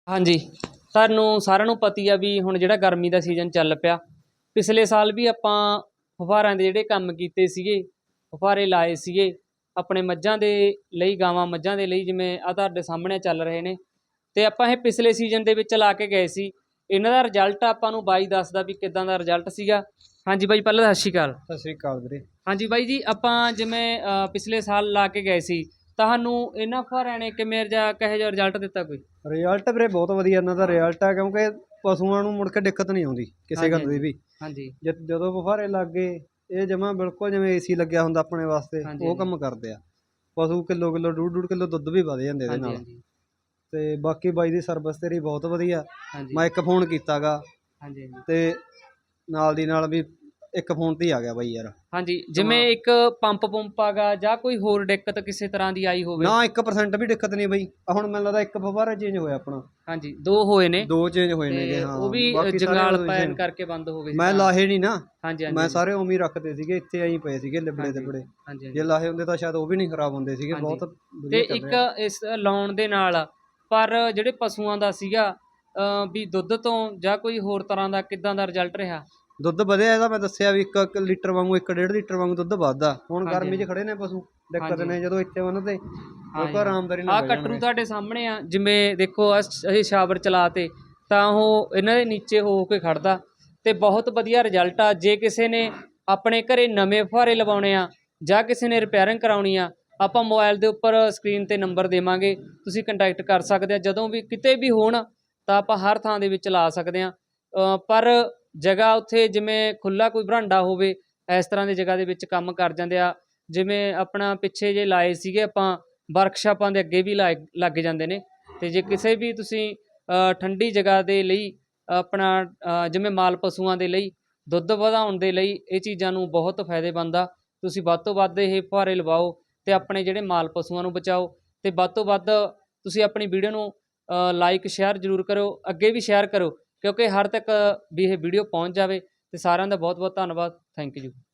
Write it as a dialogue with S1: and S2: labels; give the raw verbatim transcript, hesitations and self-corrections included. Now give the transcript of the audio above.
S1: ਹਾਂਜੀ, ਤੁਹਾਨੂੰ ਸਾਰਿਆਂ ਨੂੰ ਪਤਾ ਹੀ ਆ ਵੀ ਹੁਣ ਜਿਹੜਾ ਗਰਮੀ ਦਾ ਸੀਜ਼ਨ ਚੱਲ ਪਿਆ। ਪਿਛਲੇ ਸਾਲ ਵੀ ਆਪਾਂ ਫੁਹਾਰਿਆਂ ਦੇ ਜਿਹੜੇ ਕੰਮ ਕੀਤੇ ਸੀਗੇ, ਫੁਹਾਰੇ ਲਾਏ ਸੀਗੇ ਆਪਣੇ ਮੱਝਾਂ ਦੇ ਲਈ, ਗਾਵਾਂ ਮੱਝਾਂ ਦੇ ਲਈ, ਜਿਵੇਂ ਆਹ ਤੁਹਾਡੇ ਸਾਹਮਣੇ ਚੱਲ ਰਹੇ ਨੇ। ਤੇ ਆਪਾਂ ਇਹ ਪਿਛਲੇ ਸੀਜ਼ਨ ਦੇ ਵਿੱਚ ਲਾ ਕੇ ਗਏ ਸੀ। ਇਹਨਾਂ ਦਾ ਰਿਜ਼ਲਟ ਆਪਾਂ ਨੂੰ ਬਾਈ ਦੱਸਦਾ ਵੀ ਕਿੱਦਾਂ ਦਾ ਰਿਜ਼ਲਟ ਸੀਗਾ। ਹਾਂਜੀ ਬਾਈ, ਪਹਿਲਾਂ ਤਾਂ ਸਤਿ ਸ਼੍ਰੀ ਅਕਾਲ।
S2: ਸਤਿ ਸ਼੍ਰੀ ਅਕਾਲ ਵੀਰੇ।
S1: ਹਾਂਜੀ ਬਾਈ ਜੀ, ਆਪਾਂ ਜਿਵੇਂ ਅ, ਪਿਛਲੇ ਸਾਲ ਲਾ ਕੇ ਗਏ ਸੀ, ਤੁਹਾਨੂੰ ਇਹਨਾਂ ਫੁਹਾਰਿਆਂ ਨੇ ਕਿਵੇਂ ਜਾਂ ਕਿਹੋ ਜਿਹਾ ਰਿਜ਼ਲਟ ਦਿੱਤਾ ਕੋਈ?
S2: ਰਿਜ਼ਲਟ ਵੀਰੇ ਬਹੁਤ ਵਧੀਆ ਇਹਨਾਂ ਦਾ ਰਿਜ਼ਲਟ ਹੈ, ਕਿਉਂਕਿ ਪਸ਼ੂਆਂ ਨੂੰ ਮੁੜ ਕੇ ਦਿੱਕਤ ਨਹੀਂ ਆਉਂਦੀ ਕਿਸੇ ਗੱਲ ਦੀ ਵੀ।
S1: ਹਾਂਜੀ
S2: ਜਦ ਜਦੋਂ ਫੁਹਾਰੇ ਲੱਗ ਗਏ, ਇਹ ਜਮਾਂ ਬਿਲਕੁਲ ਜਿਵੇਂ ਏਸੀ ਲੱਗਿਆ ਹੁੰਦਾ ਆਪਣੇ ਵਾਸਤੇ,
S1: ਹਾਂਜੀ,
S2: ਉਹ
S1: ਹਾਂਜੀ।
S2: ਕੰਮ ਕਰਦੇ ਆ। ਪਸ਼ੂ ਕਿਲੋ ਕਿਲੋ ਡੂਢ ਡੂਢ ਕਿਲੋ ਦੁੱਧ ਵੀ ਵਧ ਜਾਂਦੇ ਇਹਦੇ
S1: ਹਾਂਜੀ
S2: ਨਾਲ।
S1: ਹਾਂਜੀ
S2: ਤੇ ਬਾਕੀ ਬਾਈ ਦੀ ਸਰਵਿਸ ਤੇਰੀ ਬਹੁਤ ਵਧੀਆ।
S1: ਹਾਂਜੀ
S2: ਮੈਂ ਇੱਕ ਫੋਨ ਕੀਤਾ ਗਾ
S1: ਹਾਂਜੀ ਹਾਂਜੀ
S2: ਤੇ ਨਾਲ ਦੀ ਨਾਲ ਵੀ ਇੱਕ ਫੋਨ ਤੇ ਹੀ ਆ ਗਿਆ ਬਾਈ ਯਾਰ।
S1: ਹਾਂਜੀ, ਜਿਵੇਂ ਇੱਕ ਪੰਪ ਪੰਪ ਆਗਾ ਜਾਂ ਕੋਈ ਹੋਰ ਦਿੱਕਤ ਕਿਸੇ ਤਰ੍ਹਾਂ ਦੀ ਆਈ ਹੋਵੇ?
S2: ਨਾ, ਇੱਕ ਪਰਸੈਂਟ ਵੀ ਦਿੱਕਤ ਨਹੀਂ ਬਾਈ। ਆਹ ਹੁਣ ਮੈਨੂੰ ਲੱਗਦਾ ਇੱਕ ਫੁਹਾਰਾ ਚੇਂਜ ਹੋਇਆ ਆਪਣਾ।
S1: ਹਾਂਜੀ, ਦੋ ਹੋਏ ਨੇ।
S2: ਦੋ ਚੇਂਜ ਹੋਏ ਨੇਗੇ,
S1: ਤੇ
S2: ਹਾਂ।
S1: ਉਹ ਵੀ
S2: ਬਾਕੀ ਸਾਰੇ
S1: ਜੰਗਾਲ
S2: ਉਹੀ
S1: ਪੈਣ
S2: same।
S1: ਕਰਕੇ ਬੰਦ ਹੋ ਗਏ ਸੀ
S2: ਮੈਂ
S1: ਤਾਂ।
S2: ਲਾਹੇ ਨਹੀਂ ਨਾ,
S1: ਹਾਂਜੀ ਹਾਂਜੀ
S2: ਮੈਂ
S1: ਹਾਂਜੀ
S2: ਸਾਰੇ ਉਵੇਂ ਹੀ ਰੱਖਦੇ ਸੀਗੇ, ਇੱਥੇ ਐਂ ਪਏ ਸੀਗੇ ਲਿਬੜੇ
S1: ਹਾਂਜੀ
S2: ਲਿਬੜੇ।
S1: ਹਾਂਜੀ
S2: ਜੇ
S1: ਹਾਂਜੀ
S2: ਲਾਹੇ ਹੁੰਦੇ ਤਾਂ ਸ਼ਾਇਦ ਉਹ ਵੀ ਨਹੀਂ ਖਰਾਬ ਹੁੰਦੇ ਸੀਗੇ।
S1: ਹਾਂਜੀ।
S2: ਬਹੁਤ
S1: ਤੇ
S2: ਵਧੀਆ ਚੱਲ
S1: ਇੱਕ
S2: ਰਿਹਾ।
S1: ਇਸ ਲਾਉਣ ਦੇ ਨਾਲ ਪਰ ਜਿਹੜੇ ਪਸ਼ੂਆਂ ਦਾ ਸੀਗਾ ਅ, ਵੀ ਦੁੱਧ ਤੋਂ ਜਾਂ ਕੋਈ ਹੋਰ ਤਰ੍ਹਾਂ ਦਾ ਕਿੱਦਾਂ ਦਾ ਰਿਜ਼ਲਟ ਰਿਹਾ?
S2: ਦੁੱਧ ਵਧਿਆ ਇਹਦਾ, ਮੈਂ ਦੱਸਿਆ ਵੀ ਇੱਕ ਲੀਟਰ ਵਾਂਗੂ, ਇੱਕ ਡੇਢ ਲੀਟਰ ਵਾਂਗੂ ਦੁੱਧ ਵੱਧਦਾ। ਹੁਣ
S1: ਹਾਂਜੀ
S2: ਗਰਮੀ
S1: ਹਾਂਜੀ
S2: 'ਚ ਖੜੇ ਨੇ ਪਸ਼ੂ, ਦਿੱਕਤ
S1: ਹਾਂਜੀ
S2: ਨੇ ਜਦੋਂ ਇੱਥੇ ਬੰਨ੍ਹਦੇ
S1: ਹਾਂਜੀ
S2: ਬਿਲਕੁਲ ਆਰਾਮਦਾਰੀ ਨਾਲ
S1: ਆਹ
S2: ਬਹਿ
S1: ਕਟਰੂ
S2: ਜਾਣਗੇ।
S1: ਤੁਹਾਡੇ ਸਾਹਮਣੇ ਆ, ਜਿਵੇਂ ਦੇਖੋ ਆਹ ਅਸੀਂ ਸ਼ਾਵਰ ਚਲਾ ਤੇ ਤਾਂ ਉਹ ਇਹਨਾਂ ਦੇ ਨੀਚੇ ਹੋ ਕੇ ਖੜਦਾ ਤੇ ਬਹੁਤ ਵਧੀਆ ਰਿਜ਼ਲਟ ਆ। ਜੇ ਕਿਸੇ ਨੇ ਆਪਣੇ ਘਰੇ ਨਵੇਂ ਫੁਹਾਰੇ ਲਵਾਉਣੇ ਆ ਜਾਂ ਕਿਸੇ ਨੇ ਰਿਪੇਅਰਿੰਗ ਕਰਾਉਣੀ ਆ, ਆਪਾਂ ਮੋਬਾਈਲ ਦੇ ਉੱਪਰ ਸਕਰੀਨ ਤੇ ਨੰਬਰ ਦੇਵਾਂਗੇ, ਤੁਸੀਂ ਕੰਟੈਕਟ ਕਰ ਸਕਦੇ ਆ। ਜਦੋਂ ਵੀ ਕਿਤੇ ਵੀ ਹੋਣ ਤਾਂ ਆਪਾਂ ਹਰ ਥਾਂ ਦੇ ਵਿੱਚ ਲਾ ਸਕਦੇ ਆ। ਪਰ ਜਗ੍ਹਾ ਉੱਥੇ ਜਿਵੇਂ ਖੁੱਲ੍ਹਾ ਕੋਈ ਬਰਾਂਡਾ ਹੋਵੇ, ਇਸ ਤਰ੍ਹਾਂ ਦੀ ਜਗ੍ਹਾ ਦੇ ਵਿੱਚ ਕੰਮ ਕਰ ਜਾਂਦੇ ਆ। ਜਿਵੇਂ ਆਪਣਾ ਪਿੱਛੇ ਜੇ ਲਾਏ ਸੀਗੇ ਆਪਾਂ, ਵਰਕਸ਼ਾਪਾਂ ਦੇ ਅੱਗੇ ਵੀ ਲਾਏ ਲੱਗ ਜਾਂਦੇ ਨੇ। ਤੇ ਜੇ ਕਿਸੇ ਵੀ ਤੁਸੀਂ ਅ, ਠੰਡੀ ਜਗ੍ਹਾ ਦੇ ਲਈ ਆਪਣਾ ਅ, ਜਿਵੇਂ ਮਾਲ ਪਸ਼ੂਆਂ ਦੇ ਲਈ, ਦੁੱਧ ਵਧਾਉਣ ਦੇ ਲਈ ਇਹ ਚੀਜ਼ਾਂ ਨੂੰ ਬਹੁਤ ਫਾਇਦੇਮੰਦ ਆ। ਤੁਸੀਂ ਵੱਧ ਤੋਂ ਵੱਧ ਇਹ ਫੁਹਾਰੇ ਲਵਾਓ ਤੇ ਆਪਣੇ ਜਿਹੜੇ ਮਾਲ ਪਸ਼ੂਆਂ ਨੂੰ ਬਚਾਓ। ਤੇ ਵੱਧ ਤੋਂ ਵੱਧ ਤੁਸੀਂ ਆਪਣੀ ਵੀਡੀਓ ਨੂੰ ਲਾਈਕ ਸ਼ੇਅਰ ਜ਼ਰੂਰ ਕਰੋ, ਅੱਗੇ ਵੀ ਸ਼ੇਅਰ ਕਰੋ, ਕਿਉਂਕਿ ਹਰ ਤੱਕ ਵੀ ਇਹ ਵੀਡੀਓ ਪਹੁੰਚ ਜਾਵੇ। ਤੇ ਸਾਰਿਆਂ ਦਾ ਬਹੁਤ ਬਹੁਤ ਧੰਨਵਾਦ। Thank you.